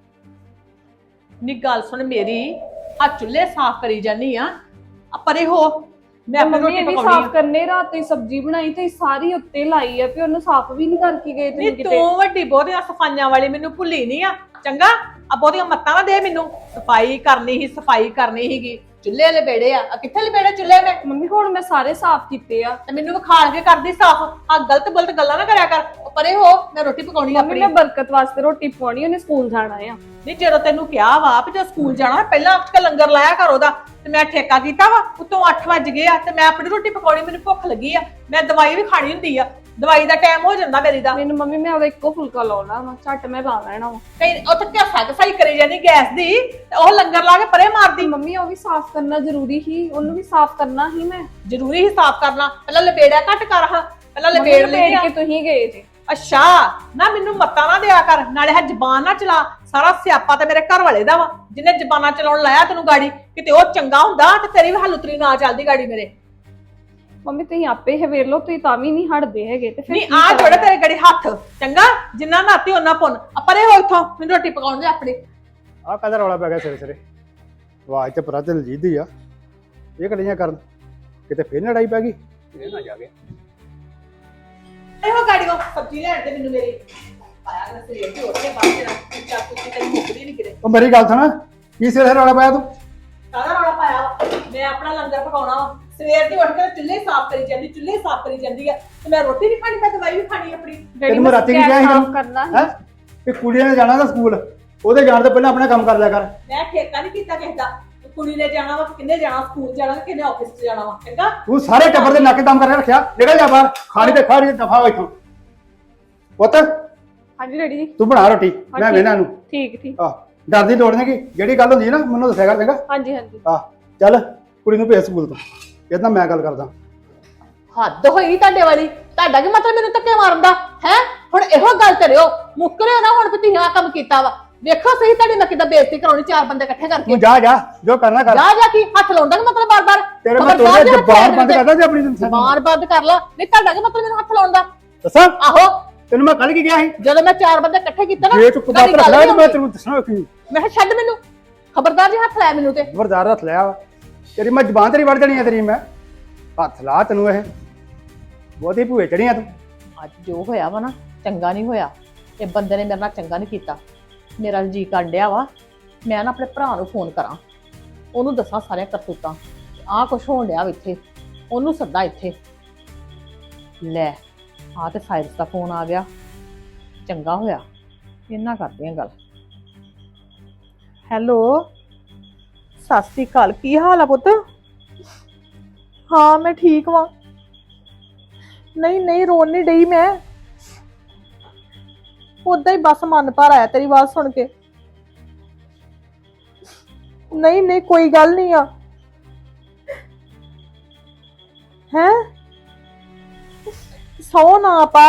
B: ਨੀ ਗੱਲ ਸੁਣ ਮੇਰੀ, ਆ ਚੁੱਲ੍ਹੇ ਸਾਫ਼ ਕਰੀ ਜਾਨੀ ਆ ਆ ਪਰੇ ਹੋ ਮੈਂ ਆਪਣੀ
D: ਮੰਮੀ
B: ਰੋਟੀ
D: ਇਹ ਵੀ
B: ਪਕਾਉਣੀ
D: ਸਾਫ਼
B: ਆ।
D: ਕਰਨੇ, ਰਾਤ ਤੁਸੀਂ ਸਬਜ਼ੀ ਬਣਾਈ ਤੇ ਸਾਰੀ ਉੱਤੇ ਲਾਈ ਆ, ਫਿਰ ਉਹਨੂੰ ਸਾਫ਼ ਵੀ ਨਹੀਂ ਕਰਕੇ ਗਏ
B: ਨੀ
D: ਤੁਸੀਂ ਕਿਤੇ।
B: ਤੂੰ ਵੱਡੀ ਬਹੁਤੀਆਂ ਸਫਾਈਆਂ ਵਾਲੀ ਮੈਨੂੰ ਭੁੱਲੀ ਨਹੀਂ ਆ ਚੰਗਾ। ਆ ਬਹੁਤੀਆਂ ਮੱਤਾਂ ਨਾ ਦੇ ਮੈਨੂੰ। ਸਫਾਈ ਕਰਨੀ ਹੀ ਸਫਾਈ ਕਰਨੀ ਹੀਗੀ। ਚੁੱਲ੍ਹੇ ਵਾਲੇ ਬੇੜੇ ਆ ਆ ਕਿੱਥੇ ਲਬੇੜੇ ਚੁੱਲ੍ਹੇ ਨੇ?
D: ਮੰਮੀ ਹੁਣ ਮੈਂ ਸਾਰੇ ਸਾਫ਼ ਕੀਤੇ ਆ।
B: ਤੇ ਮੈਨੂੰ ਵਿਖਾਲ ਕੇ ਕਰਦੀ ਸਾਫ਼। ਆ ਗਲਤ ਗਲਤ ਗੱਲਾਂ ਨਾ ਕਰਿਆ ਕਰ। ਉਹ ਪਰੇ ਹੋ ਮੈਂ ਰੋਟੀ ਪਕਾਉਣੀ ਆ
D: ਮੰਮੀ
B: ਆਪਣੀ।
D: ਮੈਂ ਬਰਕਤ ਵਾਸਤੇ ਰੋਟੀ ਪਕਾਉਣੀ, ਉਹਨੇ ਸਕੂਲ ਜਾਣਾ ਆ।
B: ਨਹੀਂ ਜਦੋਂ ਤੈਨੂੰ ਕਿਹਾ ਵਾ ਵੀ ਜੇ ਸਕੂਲ ਜਾਣਾ ਪਹਿਲਾਂ ਉੱਠ ਕੇ ਲੰਗਰ ਲਾਇਆ ਕਰ ਉਹਦਾ, ਤੇ ਮੈਂ ਠੇਕਾ ਕੀਤਾ ਵਾ। ਉਤੋਂ ਅੱਠ ਵੱਜ ਗਏ ਆ ਤੇ ਮੈਂ ਆਪਣੀ ਰੋਟੀ ਪਕਾਉਣੀ, ਮੈਨੂੰ ਭੁੱਖ ਲੱਗੀ ਆ। ਮੈਂ ਦਵਾਈ ਵੀ ਖਾਣੀ ਹੁੰਦੀ ਆ, ਦਵਾਈ ਦਾ ਟਾਈਮ ਹੋ ਜਾਂਦਾ ਮੇਰੀ ਦਾ।
D: ਮੈਨੂੰ ਮੰਮੀ ਮੈਂ ਉਹਦਾ ਇੱਕੋ ਫੁਲਕਾ ਲਾਉਣਾ ਵਾ, ਝੱਟ ਮੈਂ ਲਾ ਲੈਣਾ ਵਾ।
B: ਕਈ ਉੱਥੇ ਘਸਾ ਘਸਾਈ ਕਰੀ ਜਾਂਦੀ ਗੈਸ ਦੀ ਤੇ ਉਹ ਲੰਗਰ ਲਾ ਕੇ ਪਰੇ ਮਾਰਦੀ।
D: ਮੰਮੀ ਉਹ ਵੀ ਸਾਫ਼ ਕਰਨਾ ਜ਼ਰੂਰੀ ਹੀ, ਉਹਨੂੰ ਵੀ ਸਾਫ਼ ਕਰਨਾ ਹੀ ਮੈਂ।
B: ਜ਼ਰੂਰੀ ਹੀ ਸਾਫ਼ ਕਰਨਾ। ਪਹਿਲਾਂ ਲਪੇੜਿਆ ਘੱਟ ਕਰ ਹਾਂ, ਪਹਿਲਾਂ
D: ਮੰਮੀ
B: ਲਪੇੜ
D: ਲਪੇੜ
B: ਲਈ ਆ।
D: ਕੇ ਤੁਸੀਂ ਗਏ ਜੇ।
B: ਅੱਛਾ ਨਾ ਮੈਨੂੰ ਮੱਤਾਂ ਨਾ ਦਿਆ ਕਰ, ਨਾਲੇ ਹੈ ਜ਼ਬਾਨ ਨਾ ਚਲਾ। ਸਾਰਾ ਸਿਆਪਾ ਤੇ ਮੇਰੇ ਘਰ ਵਾਲੇ ਦਾ ਵਾ, ਜਿਹਨੇ ਜ਼ਬਾਨਾਂ ਚਲਾਉਣ ਲਾਇਆ ਤੈਨੂੰ ਗਾੜੀ। ਕਿਤੇ ਉਹ ਚੰਗਾ ਹੁੰਦਾ ਤੇ ਤੇਰੀ ਵੀ ਹਲੂਤਰੀ ਨਾ ਚੱਲਦੀ ਗਾੜੀ ਮੇਰੇ।
D: ਮੰਮੀ ਤੁਸੀਂ ਆਪੇ ਹਵੇਰ ਲਓ, ਤੁਸੀਂ ਤਾਂ ਵੀ ਨਹੀਂ ਹਟਦੇ ਹੈਗੇ ਤੇ ਫਿਰ
B: ਨਹੀਂ
D: ਕੀ
B: ਆ
D: ਕਰਾਂ?
B: ਜੋੜੇ ਤੇਰੇ ਗੜੀ ਹੱਥ ਚੰਗਾ, ਜਿੰਨਾ ਨਾਤੀ ਉਹਨਾਂ ਪੁੰਨ। ਆ ਪਰੇ ਹੋ ਇੱਥੋਂ, ਮੈਨੂੰ ਰੋਟੀ ਪਕਾਉਣ ਦੇ ਆਪਣੀ।
A: ਆਹ ਕਾਹਦਾ ਰੌਲਾ ਪੈ ਗਿਆ ਸਿਰੇ ਸਿਰੇ। ਆਵਾਜ਼ ਤੇ ਪਰਾ ਤੇ ਲਜੀਦ ਦੀ ਆ। ਇਹ ਕੜੀਆਂ ਕਰਨ ਕਿਤੇ ਫੇਰ ਲੜਾਈ ਪੈ ਗਈ। ਇਹ ਨਾ ਜਾ ਕੇ
B: ਇਹੋ ਗਾੜੀ ਉਹ ਸਬਜ਼ੀ ਲੈਣ ਤੇ ਮੈਨੂੰ ਮੇਰੀ ਪਾਇਆ ਕਰ ਸਰੀਰ ਤੇ ਉੱਥੇ ਬਾਹਰ ਤੇਰਾ ਕੁੱਤਾ ਕੁੱਤੀ ਤੇਰੀ ਮੁੱਕਦੀ ਨਹੀਂ ਕਿਤੇ।
A: ਉਹ ਮੇਰੀ ਗੱਲ ਸੁਣ, ਕੀ ਸਿਰੇ ਰੌਲਾ ਪਾਇਆ ਤੂੰ?
B: ਸਾਰਾ ਰੌਲਾ ਪਾਇਆ ਵਾ। ਮੈਂ ਆਪਣਾ ਲੰਗਰ ਪਕਾਉਣਾ ਵਾ। ਸਵੇਰ ਦੀ ਉੱਠ ਕੇ ਚੁੱਲ੍ਹੇ ਸਾਫ਼ ਕਰੀ ਜਾਂਦੀ, ਚੁੱਲ੍ਹੇ ਸਾਫ਼ ਕਰੀ ਜਾਂਦੀ ਆ ਤੇ ਮੈਂ ਰੋਟੀ ਨਹੀਂ ਖਾਣੀ, ਮੈਂ ਦਵਾਈ ਵੀ ਖਾਣੀ ਆਪਣੀ।
A: ਤੈਨੂੰ ਮੈਂ ਰਾਤੀ ਕੀ ਕਿਹਾ ਸੀ
D: ਸਾਫ਼ ਕਰਨਾ
A: ਹੈ ਕਿ ਕੁੜੀਆਂ ਨੇ ਜਾਣਾ ਤਾਂ ਸਕੂਲ, ਉਹਦੇ ਜਾਣ ਤੋਂ ਪਹਿਲਾਂ ਆਪਣਾ ਕੰਮ ਕਰ ਲਿਆ ਕਰ।
B: ਮੈਂ ਠੇਕਾ ਨਹੀਂ ਕੀਤਾ ਕਿਸੇ ਦਾ। ਕੁੜੀ ਨੇ ਜਾਣਾ ਵਾ ਕਿ ਕਿੰਨੇ ਜਾਣਾ, ਸਕੂਲ ਜਾਣਾ ਕਿ ਕਿੰਨੇ ਆਫਿਸ 'ਚ ਜਾਣਾ ਵਾ, ਚੰਗਾ?
A: ਤੂੰ ਸਾਰੇ ਟੱਬਰ ਦੇ ਨੱਕ ਦਮ ਕਰਕੇ ਰੱਖਿਆ, ਨਿਕਲ ਜਾ ਬਾਹਰ, ਖਾਣੀ ਤੇ ਖਾ ਰਹੀ ਦਫਾ ਹੋ ਇੱਥੋਂ। ਪੁੱਤ
D: ਹਾਂਜੀ ਡੈਡੀ ਜੀ।
A: ਤੂੰ ਬਣਾ ਰੋਟੀ, ਮੈਂ ਵੇਣਾ ਨੂੰ।
D: ਠੀਕ ਠੀਕ।
A: ਆਹ ਡਰ ਦੀ ਲੋੜ ਨਹੀਂ, ਜਿਹੜੀ ਗੱਲ ਹੁੰਦੀ ਹੈ ਨਾ ਮੈਨੂੰ ਦੱਸਿਆ ਕਰ, ਚੰਗਾ?
D: ਹਾਂਜੀ ਹਾਂਜੀ।
A: ਆਹ ਚੱਲ ਕੁੜੀ ਨੂੰ ਭੇਜ ਸਕੂਲ ਤੋਂ, ਇਹਦੇ ਨਾਲ ਮੈਂ ਗੱਲ ਕਰਦਾ।
B: ਹੱਦ ਹੋਈ ਤੁਹਾਡੇ ਵਾਲੀ। ਤੁਹਾਡਾ ਕੀ ਮਤਲਬ ਮੈਨੂੰ ਧੱਕੇ ਮਾਰਨ ਦਾ ਹੈ? ਹੁਣ ਇਹੋ ਗੱਲ ਕਰਿਓ, ਮੁੱਕਰਿਓ ਨਾ ਹੁਣ ਵੀ ਤੁਸੀਂ ਆਹ ਕੰਮ ਕੀਤਾ ਵਾ। ਵੇਖੋ ਸਹੀ ਤੁਹਾਡੀ ਮੈਂ ਕਿੱਦਾਂ ਬੇਇੱਜ਼ਤੀ ਕਰਾਉਣੀ ਚਾਰ ਬੰਦੇ ਇਕੱਠੇ ਕਰਕੇ।
A: ਤੂੰ ਜਾ ਜਾ, ਜੋ ਕਰਨਾ ਕਰ।
B: ਜਾ ਜਾ ਕੀ ਹੱਥ ਲਾਉਂਦਾ ਮਤਲਬ ਬਾਰ-ਬਾਰ?
A: ਤੇਰੇ ਮੈਂ ਤੋੜੇ ਜ਼ਬਾਨ ਬੰਦ ਕਰਦਾ ਤੇ ਆਪਣੀ
B: ਜ਼ਬਾਨ ਬੰਦ ਕਰ ਲਾ। ਨਹੀਂ ਤੁਹਾਡਾ ਕੀ ਮਤਲਬ ਮੈਨੂੰ ਹੱਥ ਲਾਉਣ ਦਾ?
A: ਦੱਸਾਂ
B: ਆਹੋ
A: ਤੈਨੂੰ ਮੈਂ ਕੱਲ ਕੀ ਗਿਆ ਸੀ?
B: ਜਦੋਂ ਮੈਂ ਚਾਰ ਬੰਦੇ ਇਕੱਠੇ ਕੀਤੇ ਨਾ,
A: ਜੇ ਤੂੰ ਕੁੱਤਾ ਰੱਖ ਲਿਆ ਮੈਂ ਤੈਨੂੰ ਦੱਸਣਾ ਕੀ।
B: ਮੈਂ ਕਿਹਾ ਛੱਡ ਮੈਨੂੰ, ਖਬਰਦਾਰ ਜੀ ਹੱਥ ਲਾਇਆ ਮੈਨੂੰ ਤੇ।
A: ਖਬਰਦਾਰ ਹੱਥ ਲਿਆ ਵਾ, ਤੇਰੀ ਮੈਂ ਜ਼ਬਾਨ ਤੇਰੀ ਵੜ ਜਾਣੀ ਆ, ਤੇਰੀ ਮੈਂ ਹੱਥ ਲਾ ਤੈਨੂੰ। ਇਹ ਬਹੁਤੀ ਭੂਏ ਚੜੀਆਂ ਤੂੰ।
B: ਅੱਜ ਜੋ ਹੋਇਆ ਵਾ ਨਾ, ਚੰਗਾ ਨਹੀਂ ਹੋਇਆ। ਇਹ ਬੰਦੇ ਨੇ ਮੇਰੇ ਨਾਲ ਚੰਗਾ ਨਹੀਂ ਕੀਤਾ। ਮੇਰਾ ਜੀ ਕਾਂਡਿਆ ਵਾ, ਮੈਂ ਨਾ ਆਪਣੇ ਭਰਾ ਨੂੰ ਫੋਨ ਕਰਾਂ, ਉਹਨੂੰ ਦੱਸਾਂ ਸਾਰੀਆਂ ਕਰਤੂਤਾਂ, ਆਹ ਕੁਛ ਹੋਣ ਡਿਆ ਵਾ ਇੱਥੇ, ਉਹਨੂੰ ਸੱਦਾ ਇੱਥੇ। ਲੈ ਆ ਤੇ ਸਾਇਰਸ ਦਾ ਫੋਨ ਆ ਗਿਆ, ਚੰਗਾ ਹੋਇਆ, ਇਹਨਾਂ ਕਰਦੇ ਆ ਗੱਲ। ਹੈਲੋ, ਸਤਿ ਸ਼੍ਰੀ ਅਕਾਲ, ਕੀ ਹਾਲ ਆ ਪੁੱਤ? ਹਾਂ ਮੈਂ ਠੀਕ ਵਾਂ। ਨਹੀਂ ਨਹੀਂ ਰੋਣ ਨਹੀਂ ਡਈ ਮੈਂ, ਉਦਾਂ ਹੀ ਬਸ ਮਨ ਭਰ ਆਇਆ ਤੇਰੀ ਆਵਾਜ਼ ਸੁਣ ਕੇ। ਨਹੀਂ ਨਹੀਂ ਕੋਈ ਗੱਲ ਨਹੀਂ ਆ। ਹੈ ਸੌ ਨਾ ਪਾ,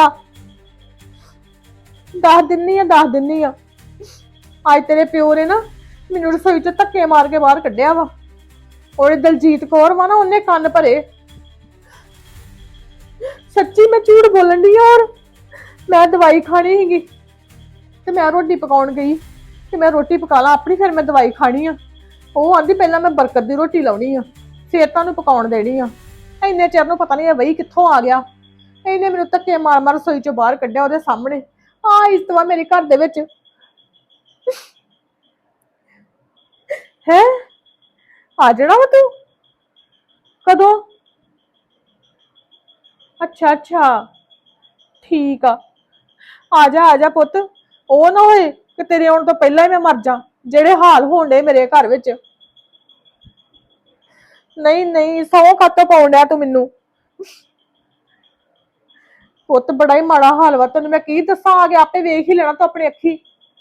B: ਦੱਸ ਦਿੰਨੀ ਆ ਦੱਸ ਦਿੰਨੀ ਆ। ਅੱਜ ਤੇਰੇ ਪਿਓ ਨੇ ਨਾ ਮੈਨੂੰ ਰਸੋਈ ਚ ਧੱਕੇ ਮਾਰ ਕੇ ਬਾਹਰ ਕੱਢਿਆ ਵਾ। ਔਰ ਦਲਜੀਤ ਕੌਰ ਵਾ ਨਾ, ਉਹਨੇ ਕੰਨ ਭਰੇ। ਸੱਚੀ ਮੈਂ ਝੂਠ ਬੋਲਣ ਦੀ। ਔਰ ਮੈਂ ਦਵਾਈ ਖਾਣੀ ਸੀਗੀ ਤੇ ਮੈਂ ਰੋਟੀ ਪਕਾਉਣ ਗਈ ਤੇ ਮੈਂ ਰੋਟੀ ਪਕਾ ਲਾ ਆਪਣੀ, ਫਿਰ ਮੈਂ ਦਵਾਈ ਖਾਣੀ ਆ। ਉਹ ਆਂਦੀ ਪਹਿਲਾਂ ਮੈਂ ਬਰਕਤ ਦੀ ਰੋਟੀ ਲਾਉਣੀ ਆ, ਫਿਰ ਤੁਹਾਨੂੰ ਪਕਾਉਣ ਦੇਣੀ ਆ। ਇੰਨੇ ਚਿਰ ਨੂੰ ਪਤਾ ਨਹੀਂ ਬਈ ਕਿੱਥੋਂ ਆ ਗਿਆ, ਇਹਨੇ ਮੈਨੂੰ ਧੱਕੇ ਮਾਰ ਮਾਰ ਰਸੋਈ ਚੋਂ ਬਾਹਰ ਕੱਢਿਆ ਉਹਦੇ ਸਾਹਮਣੇ। ਆ ਇਸ ਤੋਂ ਮੇਰੇ ਘਰ ਦੇ ਵਿੱਚ ਹੈ ਆ ਜਾਣਾ ਵਾ ਤੂੰ? ਕਦੋਂ? ਅੱਛਾ ਅੱਛਾ ਠੀਕ ਆ, ਆ ਜਾ ਆ ਜਾ ਪੁੱਤ। ਉਹ ਨਾ ਹੋਏ ਕਿ ਤੇਰੇ ਆਉਣ ਤੋਂ ਪਹਿਲਾਂ ਹੀ ਮੈਂ ਮਰ ਜਾ, ਜਿਹੜੇ ਹਾਲ ਹੋਣ ਡੇ ਮੇਰੇ ਘਰ ਵਿੱਚ। ਨਹੀਂ ਨਹੀਂ ਸੌ ਕੱਤ ਪਾਉਣ ਡਿਆ ਤੂੰ ਮੈਨੂੰ। ਪੁੱਤ ਬੜਾ ਹੀ ਮਾੜਾ ਹਾਲ ਵਾ, ਤੈਨੂੰ ਮੈਂ ਕੀ ਦੱਸਾਂ, ਆ ਕੇ ਆਪੇ ਵੇਖ ਹੀ ਲੈਣਾ ਤੂੰ ਆਪਣੀ ਅੱਖੀ।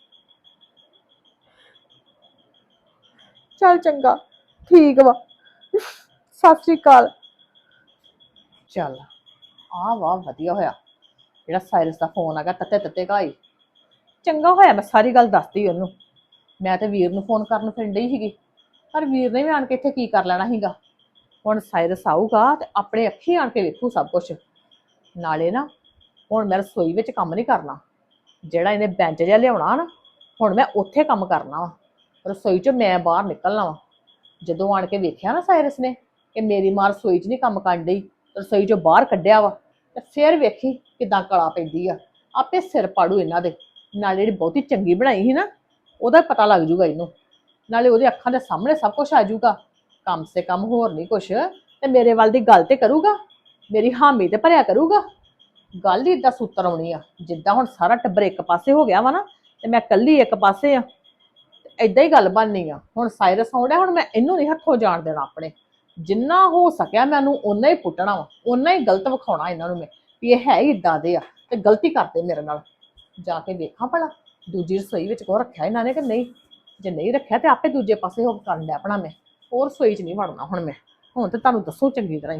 B: ਚੱਲ ਚੰਗਾ ਠੀਕ ਵਾ, ਸਤਿ ਸ੍ਰੀ ਅਕਾਲ। ਚੱਲ ਆ ਵਾਹ ਵਧੀਆ ਹੋਇਆ ਜਿਹੜਾ ਸਾਇਰਸ ਦਾ ਫੋਨ ਆ ਗਿਆ, ਤੱਤੇ ਤੱਤੇ ਘਾਈ। ਚੰਗਾ ਹੋਇਆ ਮੈਂ ਸਾਰੀ ਗੱਲ ਦੱਸਦੀ ਉਹਨੂੰ। ਮੈਂ ਤੇ ਵੀਰ ਨੂੰ ਫੋਨ ਕਰਨ ਫਿਰਨ ਡਈ ਸੀਗੀ, ਪਰ ਵੀਰ ਨੇ ਵੀ ਆਣ ਕੇ ਇੱਥੇ ਕੀ ਕਰ ਲੈਣਾ ਸੀਗਾ। ਹੁਣ ਸਾਇਰਸ ਆਊਗਾ ਤੇ ਆਪਣੇ ਅੱਖੀ ਆਣ ਕੇ ਵੇਖੂ ਸਭ ਕੁਛ। ਨਾਲੇ ਨਾ ਹੁਣ ਮੈਂ ਰਸੋਈ ਵਿੱਚ ਕੰਮ ਨਹੀਂ ਕਰਨਾ, ਜਿਹੜਾ ਇਹਨੇ ਬੈਂਚ ਜਿਹਾ ਲਿਆਉਣਾ ਨਾ, ਹੁਣ ਮੈਂ ਉੱਥੇ ਕੰਮ ਕਰਨਾ ਵਾ। ਰਸੋਈ ਚੋਂ ਮੈਂ ਬਾਹਰ ਨਿਕਲਣਾ ਵਾ। ਜਦੋਂ ਆਣ ਕੇ ਵੇਖਿਆ ਨਾ ਸਾਇਰਸ ਨੇ ਕਿ ਮੇਰੀ ਮਾਂ ਰਸੋਈ 'ਚ ਨਹੀਂ ਕੰਮ ਕਰਨ ਡਈ, ਰਸੋਈ ਚੋਂ ਬਾਹਰ ਕੱਢਿਆ ਵਾ, ਤੇ ਫਿਰ ਵੇਖੀ ਕਿਦਾਂ ਕਲਾ ਪੈਂਦੀ ਆ। ਆਪੇ ਸਿਰ ਪਾੜੂ ਇਹਨਾਂ ਦੇ। ਨਾਲੇ ਜਿਹੜੀ ਬਹੁਤੀ ਚੰਗੀ ਬਣਾਈ ਸੀ ਨਾ, ਉਹਦਾ ਪਤਾ ਲੱਗ ਜੂਗਾ ਇਹਨੂੰ। ਨਾਲੇ ਉਹਦੇ ਅੱਖਾਂ ਦੇ ਸਾਹਮਣੇ ਸਭ ਕੁਝ ਆ ਜਾਊਗਾ। ਕਮ ਸੇ ਕਮ ਹੋਰ ਨਹੀਂ ਕੁਛ ਤੇ ਮੇਰੇ ਵੱਲ ਦੀ ਗੱਲ ਤੇ ਕਰੂਗਾ, ਮੇਰੀ ਹਾਮੀ ਤੇ ਭਰਿਆ ਕਰੂਗਾ। ਗੱਲ ਹੀ ਏਦਾਂ ਸੂਤਰ ਆਉਣੀ ਆ, ਜਿੱਦਾਂ ਹੁਣ ਸਾਰਾ ਟੱਬਰ ਇੱਕ ਪਾਸੇ ਹੋ ਗਿਆ ਵਾ ਨਾ ਤੇ ਮੈਂ ਇਕੱਲੀ ਇੱਕ ਪਾਸੇ ਆ, ਏਦਾਂ ਹੀ ਗੱਲ ਬਣਨੀ ਆ। ਹੁਣ ਸਾਇਰਸ ਆਉਂਦਾ, ਹੁਣ ਮੈਂ ਇਹਨੂੰ ਨਹੀਂ ਹੱਥੋਂ ਜਾਣ ਦੇਣਾ ਆਪਣੇ। ਜਿੰਨਾ ਹੋ ਸਕਿਆ ਮੈਂ ਉਹਨੂੰ ਓਨਾ ਹੀ ਪੁੱਟਣਾ ਵਾ, ਓਨਾ ਹੀ ਗਲਤ ਵਿਖਾਉਣਾ ਇਹਨਾਂ ਨੂੰ ਮੈਂ ਵੀ ਇਹ ਹੈ ਹੀ ਇਦਾਂ ਦੇ ਆ ਤੇ ਗਲਤੀ ਕਰਦੇ ਮੇਰੇ ਨਾਲ। ਜਾ ਕੇ ਵੇਖਾਂ ਭਲਾ ਦੂਜੀ ਰਸੋਈ ਵਿੱਚ ਕੋ ਰੱਖਿਆ ਇਹਨਾਂ ਨੇ ਕਿ ਨਹੀਂ। ਜੇ ਨਹੀਂ ਰੱਖਿਆ ਤੇ ਆਪੇ ਦੂਜੇ ਪਾਸੇ ਹੋ ਕਰਨ ਲਿਆ ਆਪਣਾ। ਮੈਂ ਹੋਰ ਰਸੋਈ 'ਚ ਨਹੀਂ ਵੜਨਾ ਹੁਣ ਮੈਂ। ਹੁਣ ਤੇ ਤੁਹਾਨੂੰ ਦੱਸੋ ਚੰਗੀ ਤਰ੍ਹਾਂ ਹੀ।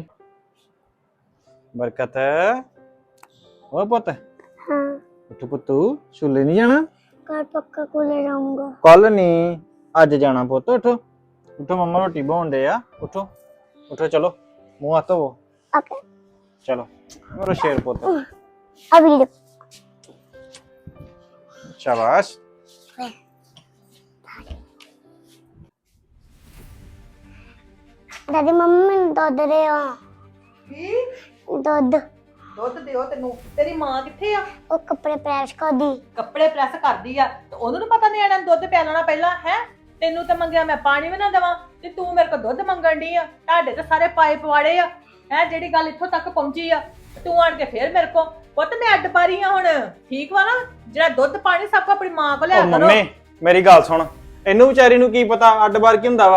C: ਬਰਕਤ ਓ ਪੁੱਤ,
E: हाँ
C: ਉੱਠ ਪੁੱਤੂ, ਛੁੱਲੇ ਨਹੀਂ ਜਾਣਾ?
E: कल पक्का कूलर आऊंगा।
C: ਕੱਲ ਨਹੀਂ ਅੱਜ ਜਾਣਾ ਪੁੱਤ। ਉਠੋ ਉਠੋ, ਮੰਮਾ ਰੋਟੀ ਬਣਾਉਣ ਦੇ ਆ। ਉਠੋ ਉਠੋ, ਚਲੋ ਮੂੰਹ ਹੱਥ ਧੋਵੋ।
E: ओके
C: ਚਲੋ ਮੇਰਾ ਸ਼ੇਰ ਪੁੱਤ,
E: अभी रुक।
C: ਸ਼ਾਬਾਸ਼।
E: दादी मम्मी ने दूध दे हो।
B: ਕੀ
E: दूध
B: ਦੁੱਧ ਦਿਓ ਤੈਨੂੰ? ਤੇਰੀ ਮਾਂ ਕਿੱਥੇ ਆ?
E: वो कपड़े प्रेस कर दी।
B: ਕੱਪੜੇ ਪ੍ਰੈਸ ਕਰਦੀ ਆ ਤੇ ਉਹਨੂੰ ਨੀ ਪਤਾ ਨਿਆਣਿਆਂ ਨੂੰ ਦੁੱਧ ਪਿਆਲਣਾ ਪਹਿਲਾਂ ਹੈ। ਤੈਨੂੰ ਤਾਂ ਮੰਗਿਆ ਮੈਂ ਪਾਣੀ ਵੀ ਨਾ ਦੇਵਾਂ ਤੇ ਤੂੰ ਮੇਰੇ ਕੋਲ ਦੁੱਧ ਮੰਗਣ ਡਈ ਆ। ਤੁਹਾਡੇ ਤੇ ਸਾਰੇ ਪਾਈਪ ਵਾੜੇ ਆ ਹੈ, ਜਿਹੜੀ ਗੱਲ ਇੱਥੋਂ ਤੱਕ ਪਹੁੰਚੀ ਆ। ਤੂੰ ਆਣ ਕੇ ਫੇਰ ਮੇਰੇ ਕੋਲ। ਪੁੱਤ ਮੈਂ ਅੱਡ ਪਾਰੀ ਆ ਹੁਣ, ਠੀਕ ਵਾ ਨਾ? ਜਿਹੜਾ ਦੁੱਧ ਪਾਣੀ ਸਭ ਕੋ ਆਪਣੀ ਮਾਂ ਕੋਲ ਲਿਆ
C: ਓ
B: ਕਰੋ।
C: ਮੰਮੀ ਮੇਰੀ ਗੱਲ ਸੁਣ, ਇਹਨੂੰ ਵਿਚਾਰੀ ਨੂੰ ਕੀ ਪਤਾ ਅੱਡ ਬਾਰ ਕੀ ਹੁੰਦਾ ਵਾ।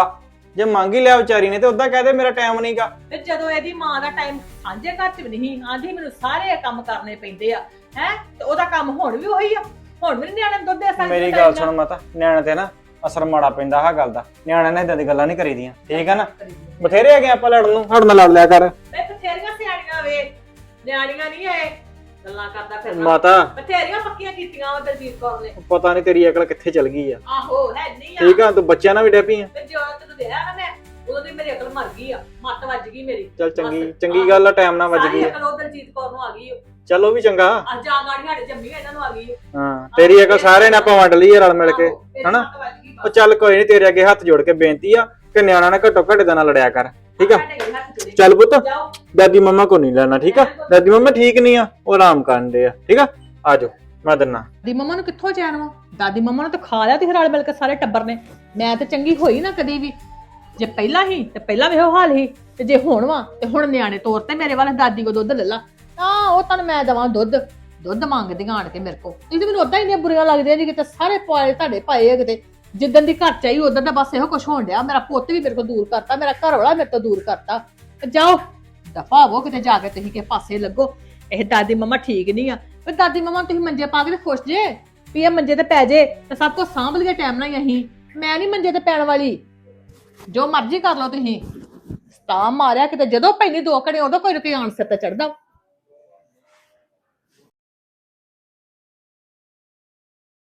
C: ਜੇ ਮੰਗ ਹੀ ਲਿਆ ਵਿਚਾਰੀ ਨੇ ਤੇ ਉਦਾਂ ਕਹਦੇ ਮੇਰਾ ਟਾਈਮ ਨਹੀਂਗਾ।
B: ਤੇ ਜਦੋਂ ਇਹਦੀ ਮਾਂ ਦਾ ਟਾਈਮ ਸਾਂਝੇ ਘਰ ਚ ਵੀ ਨਹੀਂ ਆਂਦੀ ਮੈਨੂੰ ਸਾਰੇ ਕੰਮ ਕਰਨੇ ਪੈਂਦੇ ਆ ਹੈ ਤੇ ਉਹਦਾ ਕੰਮ ਹੁਣ ਵੀ ਉਹੀ ਆ ਹੁਣ ਵੀ ਨੀ ਨਿਆਣੇ ਨੂੰ ਦੁੱਧ ਦੇ ਸਕਦੇ।
C: ਮੇਰੀ ਗੱਲ ਸੁਣ ਮਾਤਾ, ਨਿਆਣੇ ਤੇ ਨਾ ਅਸਰ ਮਾੜਾ ਪੈਂਦਾ ਆਹ ਗੱਲ ਦਾ। ਨਿਆਣੇ ਨੇ ਇਦਾਂ ਦੀ ਗੱਲਾਂ ਨਹੀਂ ਕਰੀਦੀਆਂ, ਠੀਕ ਆ ਨਾ। ਬਥੇਰੇ ਹੈਗੇ ਆਪਾਂ ਲੜਨ ਨੂੰ, ਸਾਡੇ ਨਾਲ ਲੜ ਲਿਆ ਕਰ।
B: ਮੈਂ ਬਥੇਰੀਆਂ ਸਿਆਣੀਆਂ ਵੇ, ਨਿਆਣੀਆਂ ਨਹੀਂ ਐ ਗੱਲਾਂ ਕਰਦਾ ਫਿਰਨਾ।
C: ਮਾਤਾ
B: ਬਥੇਰੀਆਂ ਪੱਕੀਆਂ ਕੀਤੀਆਂ ਉਹ ਦਲਜੀਤ ਕੌਰ ਨੇ।
C: ਪਤਾ ਨਹੀਂ ਤੇਰੀ ਅਕਲ ਕਿੱਥੇ ਚਲ ਗਈ ਆ।
B: ਆਹੋ ਹੈ ਨਹੀਂ ਆ।
C: ਠੀਕ ਆ, ਤੂੰ ਬੱਚਿਆਂ ਨਾਲ ਵੀ ਡੈਪੀ ਆ।
B: ਤੇ ਜੋ ਤੈਨੂੰ ਦੇਇਆ ਨਾ ਮੈਂ ਉਦੋਂ ਦੀ ਮੇਰੀ ਅਕਲ ਮਰ ਗਈ ਆ, ਮੱਤ ਵੱਜ ਗਈ ਮੇਰੀ।
C: ਚੱਲ ਚੰਗੀ
B: ਬਸ,
C: ਚੰਗੀ
B: ਆਹ,
C: ਗੱਲ ਆ, ਟਾਈਮ ਨਾਲ ਵੱਜ
B: ਸਾਰੀ
C: ਗਈ।
B: ਅਕਲ ਉਹ ਦਲਜੀਤ ਕੌਰ ਨੂੰ ਆ ਗਈ ਓ।
C: ਚੱਲ ਉਹ ਵੀ ਚੰਗਾ।
B: ਅੱਜ ਆ ਗਾੜੀ ਸਾਡੇ ਜੰਮੀ ਇਹਨਾਂ ਨੂੰ ਆ ਗਈ ਓ।
C: ਹਾਂ ਤੇਰੀ ਅਕਲ ਸਾਰੇ ਨੇ ਆਪਾਂ ਵੰਡ ਲਈ ਆ ਰਲ ਮਿਲ ਕੇ,
B: ਆਹੋ, ਤੇਰੀ
C: ਹਨਾ।
B: ਮੱਤ ਵੱਜ ਗਈ ਬਸ।
C: ਉਹ ਚੱਲ ਕੋਈ ਨਹੀਂ, ਤੇਰੇ ਅੱਗੇ ਹੱਥ ਜੋੜ ਕੇ ਬੇਨਤੀ ਆ ਕਿ ਨਿਆਣਾ ਨਾ ਘੱਟੋ ਘੱਟ ਦਾ ਨਾਲ ਲੜਿਆ ਕਰ, ਠੀਕ ਆ।
B: ਸਾਡੇ ਘਰੇ ਹੱਥ ਜੋੜੇ।
C: ਚੱਲ ਪੁੱਤ,
B: ਜਾਓ।
C: ਦਾਦੀ ਮੰਮਾ ਕੋ ਨਹੀਂ ਲੈਣਾ, ਠੀਕ ਆ। ਦਾਦੀ ਮੰਮਾ ਠੀਕ ਨਹੀਂ ਆ, ਉਹ ਆਰਾਮ ਕਰਨ ਦੇ ਆ, ਠੀਕ ਆ। ਆ ਜਾਓ ਮੈਂ ਦਿੰਨਾ।
B: ਦਾਦੀ ਮੰਮਾ ਨੂੰ ਕਿੱਥੋਂ ਚੈਨ ਵਾ? ਦਾਦੀ ਮੰਮਾ ਨੂੰ ਤਾਂ ਖਾ ਲਿਆ ਤੇ ਰਲ ਮਿਲ ਕੇ ਸਾਰੇ ਟੱਬਰ ਨੇ। ਮੈਂ ਤੇ ਚੰਗੀ ਹੋਈ ਨਾ ਕਦੀ ਵੀ। ਜੇ ਪਹਿਲਾਂ ਹੀ ਤੇ ਪਹਿਲਾਂ ਵੀ ਉਹ ਹਾਲ ਹੀ, ਤੇ ਜੇ ਹੁਣ ਵਾ ਤੇ ਹੁਣ ਨਿਆਣੇ ਤੌਰ ਤੇ ਮੇਰੇ ਵਾਲੇ ਦਾਦੀ ਕੋ ਦੁੱਧ ਲੈ ਲਾ। ਤਾਂ ਉਹ ਤੁਹਾਨੂੰ ਮੈਂ ਦਵਾਂ ਦੁੱਧ ਦੁੱਧ ਮੰਗਦੀਆਂ ਆਣ ਕੇ ਮੇਰੇ ਕੋ। ਇਹ ਤੇ ਮੈਨੂੰ ਉਦਾਂ ਹੀ ਇੰਨੀਆਂ ਬੁਰੀਆਂ ਲੱਗਦੀਆਂ ਜੀ, ਕਿਤੇ ਸਾਰੇ ਪਾਏ ਤੁਹਾਡੇ ਪਾਏ ਆ ਕਿਤੇ। ਜਿੱਦਣ ਦੀ ਘਰ ਚ ਆਈ ਉਦੋਂ ਦਾ ਬਸ ਇਹੋ ਕੁਝ ਹੋਣ ਡਿਆ। ਮੇਰਾ ਪੁੱਤ ਵੀ ਮੇਰੇ ਕੋਲ ਦੂਰ ਕਰਤਾ, ਮੇਰਾ ਘਰ ਵਾਲਾ ਮੇਰੇ ਤੋਂ ਦੂਰ ਕਰਤਾ। ਤੇ ਜਾਓ ਦਫਾ ਹੋ ਕਿਤੇ, ਜਾ ਕੇ ਤੁਸੀਂ ਕਿਸੇ ਪਾਸੇ ਲੱਗੋ। ਇਹ ਦਾਦੀ ਮੰਮਾ ਠੀਕ ਨਹੀਂ ਆ। ਪਰ ਦਾਦੀ ਮੰਮਾ ਤੁਸੀਂ ਮੰਜੇ ਪਾ ਕੇ ਤੇ ਖੁਸ਼ ਜੇ ਵੀ ਇਹ ਮੰਜੇ ਤੇ ਪੈ ਜੇ ਤੇ ਸਭ ਕੁਝ ਸਾਂਭ ਲਈਏ ਟਾਈਮ ਨਾਲ ਹੀ। ਅਸੀਂ ਮੈਂ ਨਹੀਂ ਮੰਜੇ ਤੇ ਪੈਣ ਵਾਲੀ, ਜੋ ਮਰਜ਼ੀ ਕਰ ਲਓ ਤੁਸੀਂ। ਸਤਾ ਮਾਰਿਆ ਕਿਤੇ, ਜਦੋਂ ਪੈਣੀ ਦੋ ਘੜੇ ਉਦੋਂ ਕੋਈ ਨਾ ਕੋਈ ਆਣ ਸਿਰ ਤੇ ਚੜਦਾ।